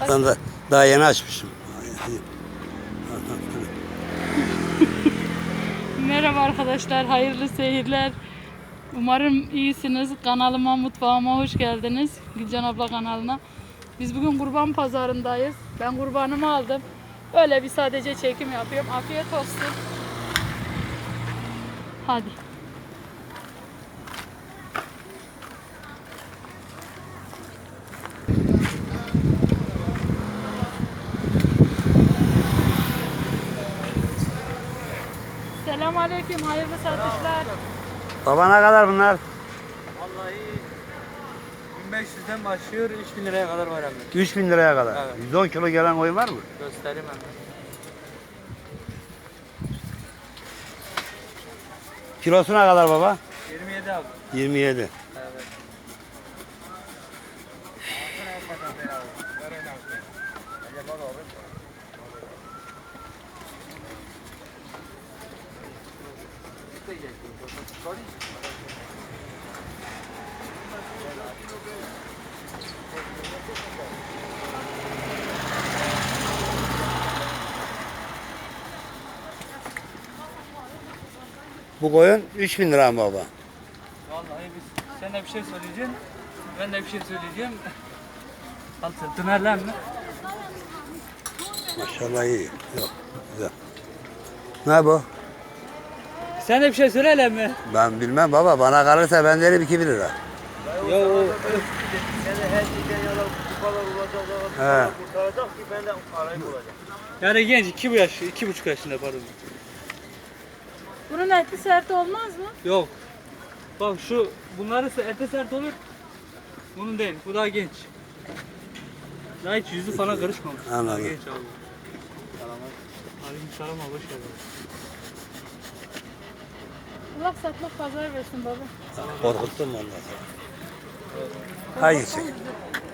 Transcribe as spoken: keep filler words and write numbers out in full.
Ben de daha yeni açmışım. Merhaba arkadaşlar, hayırlı seyirler. Umarım iyisiniz. Kanalıma, mutfağıma hoş geldiniz. Gülcan abla kanalına. Biz bugün kurban pazarındayız. Ben kurbanımı aldım. Öyle bir sadece çekim yapıyorum. Afiyet olsun. Hadi. Selamünaleyküm, hayırlı satışlar. Baba ne kadar bunlar? Vallahi bin beş yüzden başlıyor, üç bin liraya kadar var hem de. üç bin liraya kadar. Evet. yüz on kilo gelen koyun var mı? Göstereyim hem de. Kilosuna kadar baba? yirmi yedi abi. yirmi yedi. Evet. Bu koyun üç bin lira mı baba? Vallahi biz, sen de bir şey söyleyeceksin, ben de bir şey söyleyeceğim. Al sırtını erlen mi? Maşallah iyi. Yok, güzel. Ne bu? Sen de bir şey söyle mi? Ben bilmem baba. Bana kalırsa ben derim iki bin lira. Ya o He. yani genç, iki bu yaş, iki buçuk yaşında pardon. Bunun etli sert olmaz mı? Yok. Bak şu, bunların ete sert olur. Bunun değil, bu daha genç. Daha hiç yüzü falan karışmamış. Anladım. Daha genç abi. Aleyküm selam abi, hoş geldin. Allah satmak pazar versin baba. Korkuttun mu ondan sonra? Hangisi?